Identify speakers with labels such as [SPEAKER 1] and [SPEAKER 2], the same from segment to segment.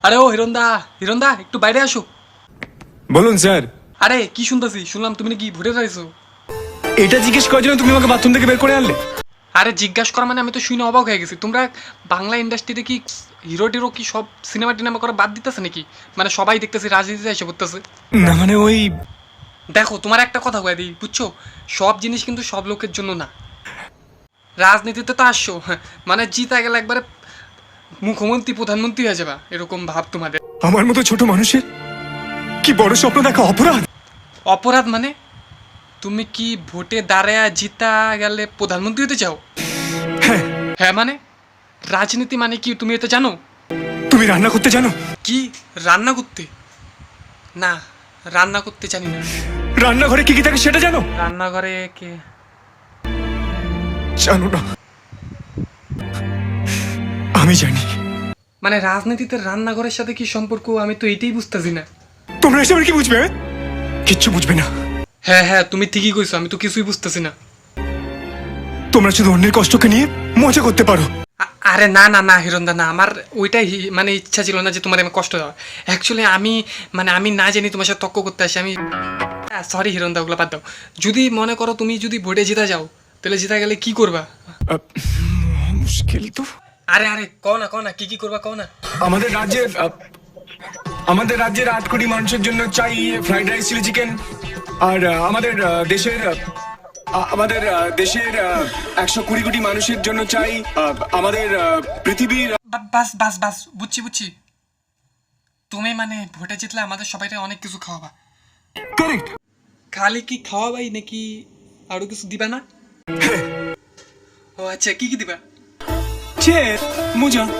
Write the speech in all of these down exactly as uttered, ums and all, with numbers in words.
[SPEAKER 1] আরে ও হিরণদা, হিরণদা একটু বাইরে আসো।
[SPEAKER 2] বলুন স্যার।
[SPEAKER 1] আরে কি শুনতেছি, শুনলাম তুমি নাকি ভোটে চাইছো।
[SPEAKER 2] এটা জিজ্ঞেস করার জন্য তুমি আমাকে বাথরুম থেকে বের করে আনলে?
[SPEAKER 1] আরে জিজ্ঞাসা করা মানে আমি তো শুনে অবাক হয়ে গেছি। তোমরা বাংলা ইন্ডাস্ট্রিতে কি হিরো টিরো কি সব সিনেমা টিনেমা করে বাদ দিতেছে নাকি? মানে সবাই দেখতেছি রাজনীতিতে এসে পড়তেছে।
[SPEAKER 2] না মানে ওই
[SPEAKER 1] দেখো তোমার একটা কথা কয়ে দিই, বুঝছো, সব জিনিস কিন্তু সব লোকের জন্য না। রাজনীতিতে তো আসছো, হ্যাঁ, মানে জিতা গেলে একবারে মুখ্যমন্ত্রী প্রধানমন্ত্রী হয়ে যাবা এরকম ভাব তোমাদের।
[SPEAKER 2] আমার মতো ছোট মানুষের কি বড় স্বপ্ন দেখা অপরাধ?
[SPEAKER 1] অপরাধ মানে? তুমি কি ভোটে দাঁড়ায় জিতা গেলে প্রধানমন্ত্রী হতে চাও?
[SPEAKER 2] হ্যাঁ।
[SPEAKER 1] হ্যাঁ মানে রাজনীতি মানে কি তুমি এটা জানো?
[SPEAKER 2] তুমি রান্না করতে জানো?
[SPEAKER 1] কি রান্না করতে? না, রান্না করতে জানি না।
[SPEAKER 2] রান্নাঘরে কি কি থাকে সেটা জানো?
[SPEAKER 1] রান্নাঘরে কে?
[SPEAKER 2] জানো না? আমি জানি।
[SPEAKER 1] মানে রাজনীতিতে রান্নাঘরের সাথে কি সম্পর্ক, আমি তো এটাই বুঝতেছি না।
[SPEAKER 2] তোমরা এসব কি বুঝবে? কিচ্ছু বুঝবে না।
[SPEAKER 1] হ্যাঁ হ্যাঁ তুমি ঠিকই কইছো, আমি তো কিছুই বুঝতেছি না।
[SPEAKER 2] তোমরা শুধু অন্যের কষ্টকে নিয়ে মজা করতে পারো।
[SPEAKER 1] আ- আরে না না না হিরণদা না, আমার ওইটাই হি- মানে ইচ্ছা ছিল না যে তোমার আমি কষ্ট দেওয়া। অ্যাকচুয়ালি আমি মানে আমি না জানি তোমার সাথে তর্ক করতে আসি আমি। সরি হিরণদা, ওগুলো বাদ দাও। যদি মনে করো তুমি যদি ভোটে জিতা যাও, তাহলে জিতা গেলে কি করবা?
[SPEAKER 2] আহ, মুশকিল তো।
[SPEAKER 1] আরে আরে কও না কও না, কি কি করবা কও না।
[SPEAKER 2] আমাদের রাজ্যের আহ, আমাদের রাজ্যের আট কোটি মানুষের জন্য চাই ফ্রাইড রাইস চিলি চিকেন। আর আহ, আমাদের আহ, দেশের আহ, আমাদের আহ, দেশের একশো কুড়ি কোটি মানুষের জন্য চাই আহ, আমাদের আহ, পৃথিবীর।
[SPEAKER 1] বা- বাস বাস বাস বুঝছি বুঝছি। তুমি মানে ভোটে জিতলে আমাদের সবাইকে অনেক কিছু খাওয়াবা।
[SPEAKER 2] কারেক্ট।
[SPEAKER 1] খালি কি খাওয়াবাই নাকি আরো কিছু দিবা না? ও আচ্ছা, কি কি দিবা?
[SPEAKER 2] মজা।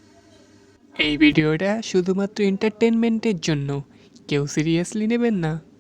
[SPEAKER 1] এই ভিডিওটা শুধুমাত্র এন্টারটেনমেন্টের জন্য, কেউ সিরিয়াসলি নেবেন না।